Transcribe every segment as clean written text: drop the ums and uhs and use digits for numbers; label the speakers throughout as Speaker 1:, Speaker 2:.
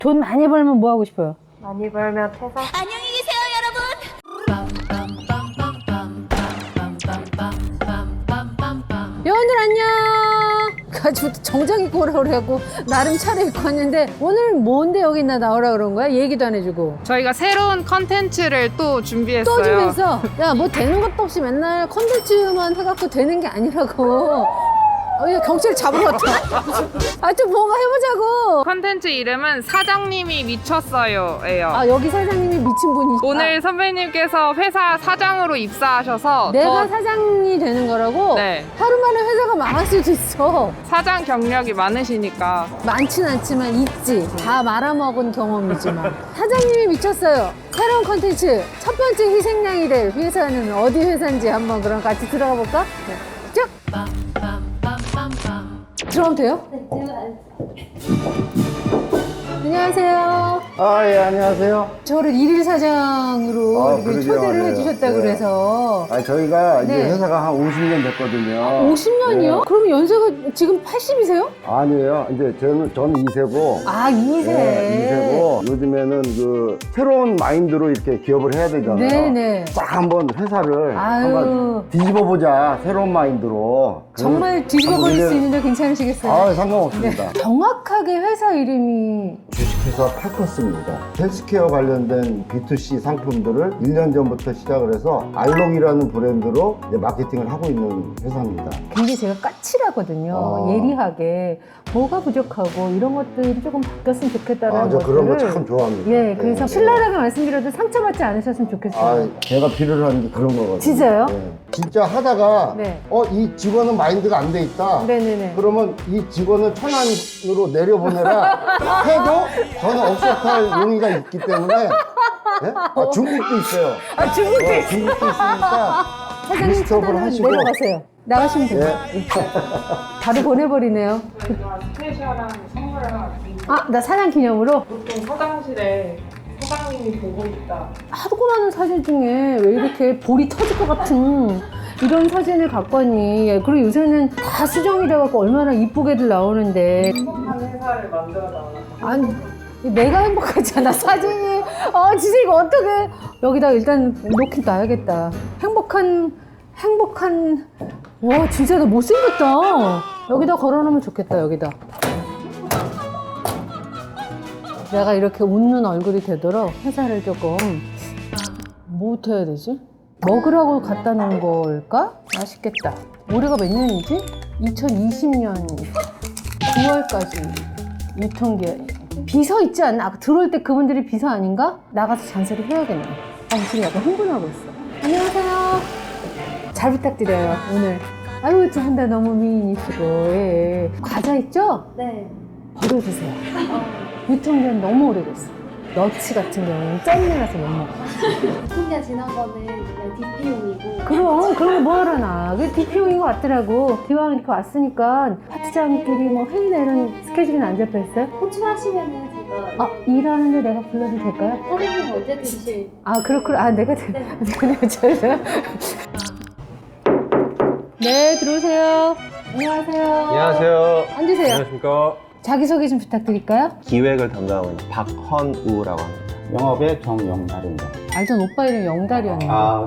Speaker 1: 돈 많이 벌면 뭐 하고 싶어요?
Speaker 2: 많이 벌면 퇴사?
Speaker 3: 안녕히 계세요, 여러분.
Speaker 1: 여러분들 안녕. 가지고 정장 입고 오라고 그래갖고 나름 차려입고 왔는데 오늘 뭔데 여기 나오라 그런 거야? 얘기도 안 해주고
Speaker 4: 저희가 새로운 컨텐츠를 또 준비했어요.
Speaker 1: 또 주면서 야 뭐 되는 것도 없이 맨날 컨텐츠만 해갖고 되는 게 아니라고. 야, 경찰 잡으러 왔다. 하여튼 뭔가 해보자고.
Speaker 4: 컨텐츠 이름은 사장님이 미쳤어요예요.
Speaker 1: 아 여기 사장님이 미친 분이
Speaker 4: 오늘 선배님께서 회사 사장으로 입사하셔서
Speaker 1: 내가
Speaker 4: 더
Speaker 1: 사장이 되는 거라고?
Speaker 4: 네.
Speaker 1: 하루 만에 회사가 망할 수도 있어.
Speaker 4: 사장 경력이 많으시니까
Speaker 1: 많진 않지만 있지. 다 말아먹은 경험이지만. 사장님이 미쳤어요. 새로운 컨텐츠 첫 번째 희생양이 될 회사는 어디 회사인지 한번 그럼 같이 들어가 볼까? 네. 쭉! 들어가면 돼요? 안녕하세요.
Speaker 5: 아, 예, 안녕하세요.
Speaker 1: 저를 일일 사장으로
Speaker 5: 아,
Speaker 1: 이렇게
Speaker 5: 그러게요.
Speaker 1: 초대를
Speaker 5: 네.
Speaker 1: 해주셨다고
Speaker 5: 네.
Speaker 1: 그래서.
Speaker 5: 아, 저희가 이제
Speaker 1: 네.
Speaker 5: 회사가 한 50년 됐거든요.
Speaker 1: 50년이요? 그럼 연세가 지금 80이세요?
Speaker 5: 아니에요. 이제 저는 2세고.
Speaker 1: 아, 2세.
Speaker 5: 네, 2세고. 요즘에는 그 새로운 마인드로 이렇게 기업을 해야 되잖아요.
Speaker 1: 네네.
Speaker 5: 딱 한번 회사를
Speaker 1: 아유.
Speaker 5: 한번 뒤집어보자. 새로운 마인드로.
Speaker 1: 정말 뒤집어버릴 수 있는데 괜찮으시겠어요?
Speaker 5: 아, 상관없습니다.
Speaker 1: 네. 정확하게 회사 이름이
Speaker 5: 주식회사 팔커스입니다. 헬스케어 관련된 B2C 상품들을 1년 전부터 시작을 해서 알록이라는 브랜드로 이제 마케팅을 하고 있는 회사입니다.
Speaker 1: 굉장히 제가 까칠하거든요. 예리하게 뭐가 부족하고 이런 것들이 조금 바뀌었으면 좋겠다라는
Speaker 5: 저
Speaker 1: 것들을
Speaker 5: 그런 거 참 좋아합니다.
Speaker 1: 예, 그래서
Speaker 5: 네.
Speaker 1: 신랄하게 말씀드려도 상처받지 않으셨으면 좋겠어요.
Speaker 5: 아, 제가 필요로 하는 게 그런 거거든요.
Speaker 1: 진짜요?
Speaker 5: 네. 진짜 하다가
Speaker 1: 네.
Speaker 5: 이 직원은 마인드가 안 돼 있다.
Speaker 1: 네네네.
Speaker 5: 그러면 이 직원을 천안으로 내려보내라 해도 저는 업소탈 용의가 있기 때문에 네? 중국도 있어요.
Speaker 1: 아, 중국도 있어요.
Speaker 5: 중국도 있으니까
Speaker 1: 사장님
Speaker 5: 리스트업을
Speaker 1: 차단을
Speaker 5: 하시고.
Speaker 1: 내려가세요. 나가시면 돼요.
Speaker 5: 예.
Speaker 1: 바로 보내버리네요.
Speaker 4: 저희가 스페셜한 선물을 하나 드립니다.
Speaker 1: 아, 나 사장 기념으로
Speaker 4: 보통 사장실에 사장님이 보고 있다.
Speaker 1: 하도 많은 사진 중에 왜 이렇게 볼이 터질 것 같은 이런 사진을 갖고 왔니? 예, 그리고 요새는 다 수정이 돼갖고 얼마나 이쁘게들 나오는데.
Speaker 4: 행복한 회사를 만들어 달라.
Speaker 1: 아니, 내가 행복하잖아, 사진이. 아, 진짜 이거 어떡해. 여기다 일단 놓긴 놔야겠다. 행복한, 와, 진짜 나 못생겼다. 여기다 걸어놓으면 좋겠다, 여기다. 내가 이렇게 웃는 얼굴이 되도록 회사를 조금, 뭐부터 해야 되지? 먹으라고 갖다 놓은 걸까? 맛있겠다. 올해가 몇 년이지? 2020년 9월까지 유통기한. 비서 있지 않나? 아까 들어올 때 그분들이 비서 아닌가? 나가서 잔소리 해야겠네. 지금 약간 흥분하고 있어. 안녕하세요. 잘 부탁드려요, 오늘. 아유, 두 분 다 너무 미인이시고. 예. 과자 있죠?
Speaker 2: 네.
Speaker 1: 버려주세요. 유통기한 너무 오래됐어. 너치 같은 경우는 짠내 나서 못 먹어.
Speaker 2: 유통기한 지난 거는 그냥 DP용이고.
Speaker 1: 그럼 그런 거 뭐하러 나. 그게 DPO인 것 같더라고. 기왕 이렇게 왔으니까 파트장끼리 뭐 회의나 이런 스케줄은 안 잡혀있어요?
Speaker 2: 호출하시면은 제가
Speaker 1: 일하는데 내가 불러도 될까요?
Speaker 2: 사장님 언제 드실?
Speaker 1: 그렇구나. 내가 잘. 네, 들어오세요. 안녕하세요.
Speaker 6: 안녕하세요.
Speaker 1: 앉으세요.
Speaker 6: 안녕하십니까.
Speaker 1: 자기소개 좀 부탁드릴까요?
Speaker 6: 기획을 담당하고 있는 박헌우라고 합니다.
Speaker 7: 영업의 정영달입니다.
Speaker 1: 알던 오빠 이름 영달이었네.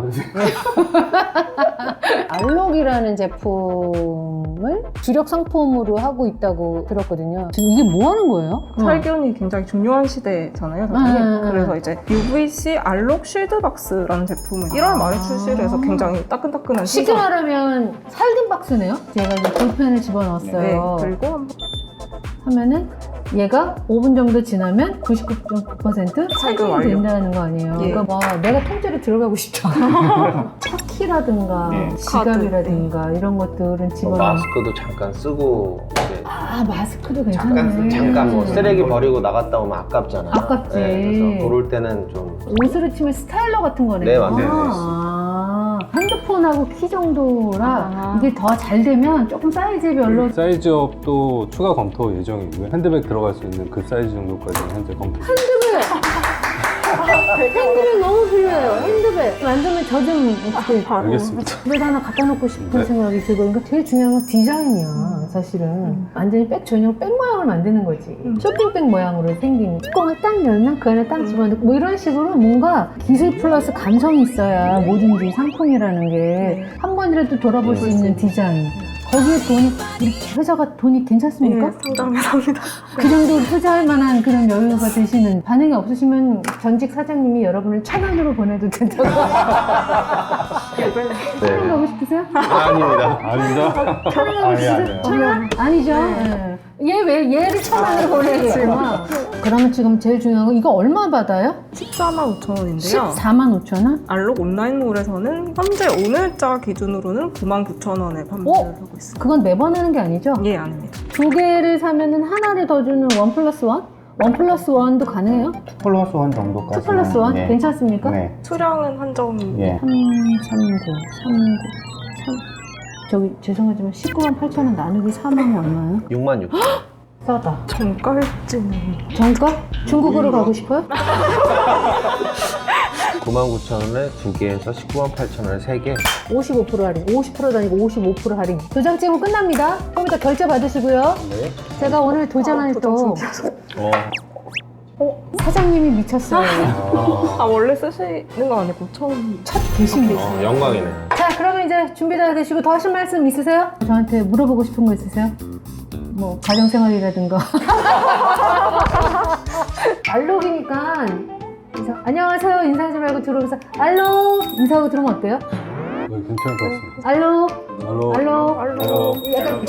Speaker 1: 알록이라는 제품을 주력 상품으로 하고 있다고 들었거든요. 이게 뭐 하는 거예요?
Speaker 4: 살균이 굉장히 중요한 시대잖아요, 사장님. 그래서 이제 UVC 알록 쉴드박스라는 제품을 1월 말에 출시를 해서 굉장히 따끈따끈한
Speaker 1: 쉽게
Speaker 4: 신상.
Speaker 1: 말하면 살균 박스네요. 제가 이제 볼펜을 집어넣었어요.
Speaker 4: 네, 그리고 한번
Speaker 1: 하면은 얘가 5분 정도 지나면 99.9% 살균이
Speaker 4: 완료.
Speaker 1: 된다는 거 아니에요.
Speaker 4: 예.
Speaker 1: 그러니까 와, 내가 통째로 들어가고 싶다. 차키라든가
Speaker 6: 네.
Speaker 1: 지갑이라든가 이런 것들은
Speaker 6: 뭐
Speaker 1: 집어넣어.
Speaker 6: 마스크도 잠깐 쓰고 이제
Speaker 1: 마스크도 괜찮네.
Speaker 6: 잠깐 뭐 쓰레기 버리고 나갔다 오면 아깝잖아요.
Speaker 1: 아깝지.
Speaker 6: 그래서 그럴 때는 좀
Speaker 1: 옷으로 치면 스타일러 같은 거네요.
Speaker 6: 네, 맞아요.
Speaker 1: 핸드폰하고 키 정도라 이게 더 잘 되면 조금 사이즈별로
Speaker 7: 사이즈업도 추가 검토 예정이고요. 핸드백 들어갈 수 있는 그 사이즈 정도까지는 현재 검토.
Speaker 1: 핸드백 너무 필요해요. 핸드백 만들면 저 좀 어떻게
Speaker 7: 알겠습니다.
Speaker 1: 집에다 하나 갖다 놓고 싶은 생각이 들고 그러니까 제일 중요한 건 디자인이야. 사실은. 완전히 백 전용 백 모양을 만드는 거지. 쇼핑백 모양으로 생긴 뚜껑을 딱 열면 그 안에 딱 집어넣고 뭐 이런 식으로 뭔가 기술 플러스 감성이 있어야 뭐든지 상품이라는 게 한 번이라도 돌아볼 수 있는 디자인. 거기에 돈이, 우리 회사가 돈이 괜찮습니까?
Speaker 4: 상당합니다.
Speaker 1: 그 정도 투자할 만한 그런 여유가 되시는, 반응이 없으시면 전직 사장님이 여러분을 천안으로 보내도 된다고. 천안 가고 싶으세요?
Speaker 6: 아닙니다.
Speaker 7: 아닙니다.
Speaker 1: 천안 가고 싶으세요? 천안? 아니죠. 네. 얘 왜 얘를 천안으로 보내겠구나. 그러면 지금 제일 중요한 거, 이거 얼마 받아요?
Speaker 4: 145,000원인데요.
Speaker 1: 145,000원?
Speaker 4: 알록 온라인몰에서는 현재 오늘자 기준으로는 99,000원에 판매를 하고 있습니다.
Speaker 1: 그건 매번 하는 게 아니죠?
Speaker 4: 예, 아닙니다.
Speaker 1: 두 개를 사면은 하나를 더 주는 원 플러스 원? 원 플러스 원도 가능해요?
Speaker 8: 플러스 원 정도까지.
Speaker 1: 2 플러스 원?
Speaker 8: 네.
Speaker 1: 괜찮습니까?
Speaker 8: 네.
Speaker 4: 수량은 한정.
Speaker 8: 예.
Speaker 1: 339. 저기 죄송하지만 198,000원 나누기 4만 얼마예요?
Speaker 6: 6만 6천.
Speaker 1: 싸다.
Speaker 4: 정가일지는.
Speaker 1: 정가? 중국으로 가고 싶어요?
Speaker 6: 99,000원에 2개에서 198,000원에 3개.
Speaker 1: 55% 할인. 50%도 아니고 55% 할인. 도장 찍으면 끝납니다. 좀 이따 결제 받으시고요.
Speaker 6: 네.
Speaker 1: 제가 오늘 도장을 또
Speaker 6: 어.
Speaker 1: 사장님이 미쳤어요.
Speaker 4: 아, 원래 쓰시는 거 아니고 처음.
Speaker 1: 첫 대신
Speaker 6: 영광이네.
Speaker 1: 자, 그러면 이제 준비 다 되시고 더 하실 말씀 있으세요? 저한테 물어보고 싶은 거 있으세요? 뭐 가정생활이라든가. 알록이니까 안녕하세요 인사하지 말고 들어오면서 알록 인사하고 들어오면 어때요?
Speaker 7: 네, 괜찮을 것 같습니다.
Speaker 1: 알록
Speaker 7: 알로.
Speaker 1: 알록
Speaker 7: 알로.
Speaker 1: 약간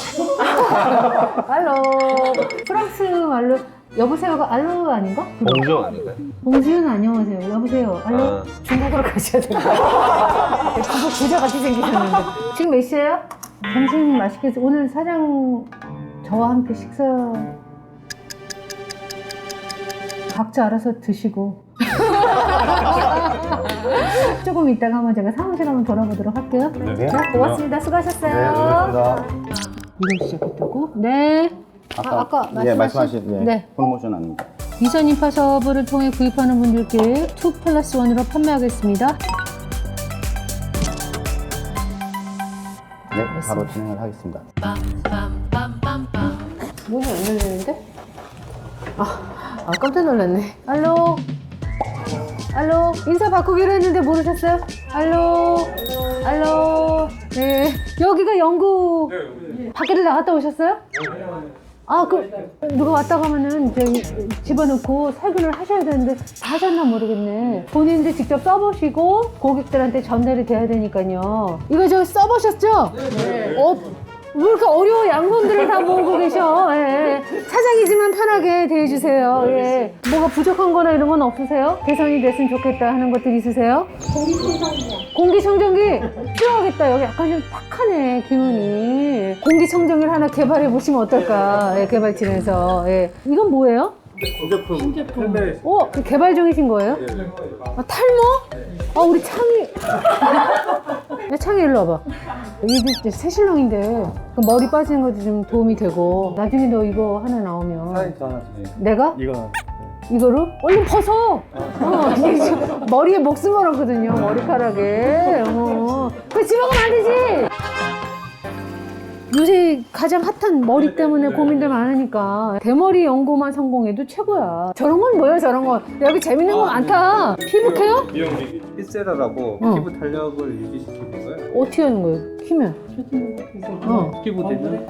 Speaker 1: 알록 프랑스 말로 여보세요가 알로 아닌가?
Speaker 6: 봉주 아닌가요?
Speaker 1: 봉지윤 안녕하세요. 여보세요. 알로?
Speaker 6: 아.
Speaker 1: 중국으로 가셔야 돼요. 중국 부자같이 생기셨는데. 지금 몇 시예요? 점심 맛있게 오늘 사장 저와 함께 식사 각자 알아서 드시고 조금 이따가 한번 제가 사무실 한번 돌아보도록 할게요.
Speaker 7: 네.
Speaker 1: 자, 고맙습니다. 수고하셨어요.
Speaker 5: 네, 고맙습니다.
Speaker 1: 이걸 시작했다고? 네. 아까
Speaker 8: 예, 말씀하신 예,
Speaker 1: 네.
Speaker 8: 프로모션 아닙니다.
Speaker 1: 비선 인파샵을 통해 구입하는 분들께 2 플러스 1으로 판매하겠습니다.
Speaker 8: 네, 바로 진행을 하겠습니다.
Speaker 1: 문이 안 열리는데? 깜짝 놀랐네. 알로? 알로? 인사 바꾸기로 했는데 모르셨어요? 알로? 알로? 네. 여기가 영국 밖에를 나갔다 오셨어요? 누가 왔다 가면은 저기 집어넣고 살균을 하셔야 되는데 다 하셨나 모르겠네. 본인들 직접 써보시고 고객들한테 전달이 돼야 되니까요. 이거 저 써보셨죠? 네. 왜 이렇게 어려워 양분들을 다 모으고 계셔. 예. 사장이지만 편하게 대해주세요. 예. 뭐가 부족한 거나 이런 건 없으세요? 개선이 됐으면 좋겠다 하는 것들 있으세요?
Speaker 2: 공기청정기요.
Speaker 1: 공기청정기 필요하겠다. 여기 약간 좀 탁하네 기운이. 공기청정기를 하나 개발해 보시면 어떨까. 예, 개발진에서. 예. 이건 뭐예요?
Speaker 7: 신제품.
Speaker 1: 그 개발 중이신 거예요? 탈모? 우리 창이. 야, 창이 일로 와봐. 이게 새신랑인데 그 머리 빠지는 것도 좀 도움이 되고 나중에 너 이거 하나 나오면 내가? 이거로? 얼른 벗어! 이게 지금 머리에 목숨 걸었거든요, 머리카락에. 그거 집어가면 안 되지! 요새 가장 핫한 머리 때문에 고민들 많으니까 대머리 연고만 성공해도 최고야. 저런 건 뭐예요, 저런 건? 여기 재밌는 거 많다. 피부 케어?
Speaker 9: 피세라라고
Speaker 1: 어.
Speaker 9: 피부 탄력을 유지시키는 거예요.
Speaker 1: 어떻게 하는 거예요? 키면?
Speaker 9: 피부 되면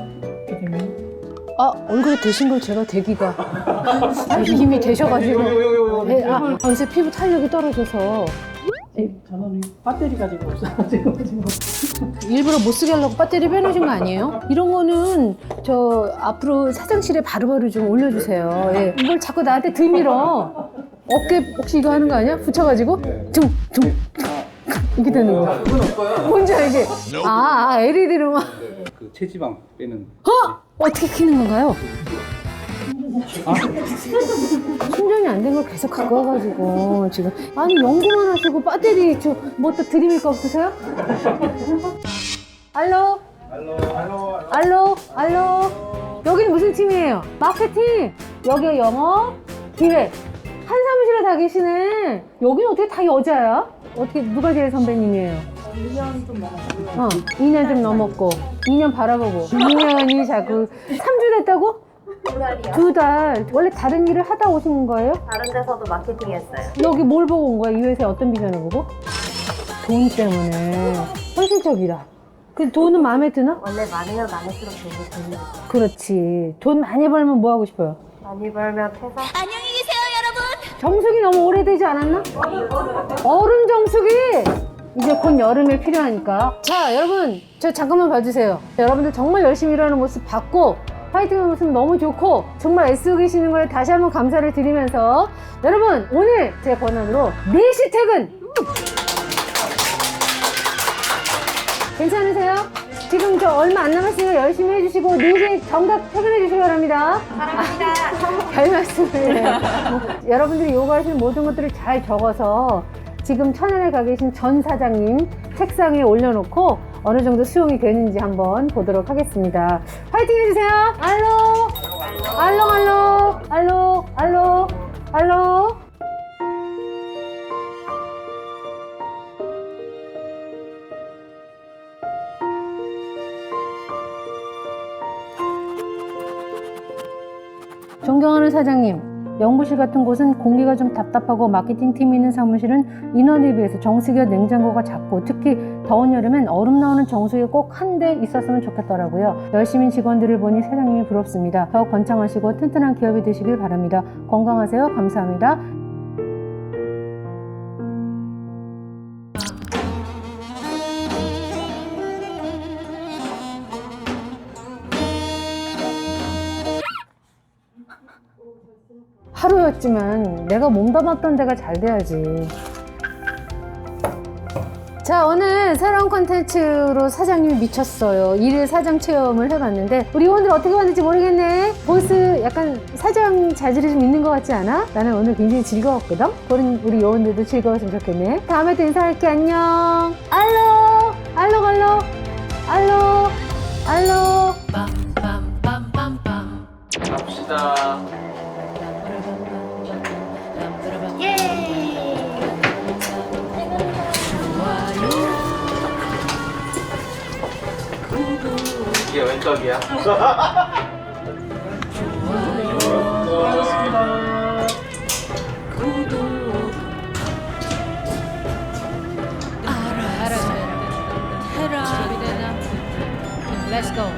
Speaker 1: 얼굴에 되신 걸 제가 대기가 이미 되셔가지고 요새 피부 탄력이 떨어져서
Speaker 10: 저는 배터리 가지고 없어가지고
Speaker 1: 일부러 못 쓰게 하려고 배터리 빼놓으신 거 아니에요? 이런 거는 저 앞으로 사장실에 바로바로 좀 올려주세요. 예. 이걸 자꾸 나한테 들밀어. 어깨 혹시 이거 하는 거 아니야? 붙여가지고 둥둥 이렇게 되는 거. 뭔지 알지? LED로 막.
Speaker 9: 그 체지방 빼는.
Speaker 1: 어떻게 키는 건가요? 충전이 안 된 걸 계속 갖고 와가지고 지금 연구만 하시고 배터리 뭐 또 드림일 거 없으세요? 알로? 알로? 여기는 무슨 팀이에요? 마케팅! 여기가 영업, 기획 한 사무실에 다 계시네. 여기는 어떻게 다 여자야? 어떻게 누가 제일 선배님이에요?
Speaker 2: 2년 좀 넘었어요.
Speaker 1: 2년 좀 넘었고 2년 바라보고 2년이 자꾸 3주 됐다고?
Speaker 2: 2달이요.
Speaker 1: 2달. 원래 다른 일을 하다 오신 거예요?
Speaker 2: 다른 데서도 마케팅 했어요.
Speaker 1: 여기 뭘 보고 온 거야? 이 회사에 어떤 비전을 보고? 돈 때문에. 현실적이라. 그 돈은 마음에 드나?
Speaker 2: 원래 많으면 많을수록 돈이 드는 거죠.
Speaker 1: 그렇지. 돈 많이 벌면 뭐 하고 싶어요?
Speaker 2: 많이 벌면 퇴사?
Speaker 3: 안녕히 계세요, 여러분.
Speaker 1: 정수기 너무 오래되지 않았나? 어른 정수기! 이제 곧 여름에 필요하니까. 자, 여러분, 저 잠깐만 봐주세요. 여러분들 정말 열심히 일하는 모습 봤고, 파이팅하는 모습 너무 좋고, 정말 애쓰고 계시는 거에 다시 한번 감사를 드리면서, 여러분, 오늘 제 권한으로 4시 퇴근! 괜찮으세요? 지금 저 얼마 안 남았으니까 열심히 해주시고 4시에 정각 퇴근해 주시기 바랍니다. 사랑합니다. 별 말씀을. 여러분들이 요구하시는 모든 것들을 잘 적어서 지금 천안에 가 계신 전 사장님 책상에 올려놓고 어느 정도 수용이 되는지 한번 보도록 하겠습니다. 파이팅 해주세요. 알로, 알로, 알로, 알로, 알로, 알로. 존경하는 사장님, 연구실 같은 곳은 공기가 좀 답답하고 마케팅 팀이 있는 사무실은 인원에 비해서 정수기와 냉장고가 작고 특히 더운 여름엔 얼음 나오는 정수기가 꼭 한 대 있었으면 좋겠더라고요. 열심히 직원들을 보니 사장님이 부럽습니다. 더욱 번창하시고 튼튼한 기업이 되시길 바랍니다. 건강하세요. 감사합니다. 하루였지만 내가 몸담았던 데가 잘 돼야지. 자, 오늘 새로운 콘텐츠로 사장님이 미쳤어요. 일일 사장 체험을 해봤는데 우리 요원들 어떻게 봤는지 모르겠네. 보스 약간 사장 자질이 좀 있는 것 같지 않아? 나는 오늘 굉장히 즐거웠거든. 우리 요원들도 즐거웠으면 좋겠네. 다음에 또 인사할게. 안녕. 알로, 알로, 알로, 알로, 알로.
Speaker 6: 갑시다. 이게 왼쪽이야.
Speaker 3: Let's go.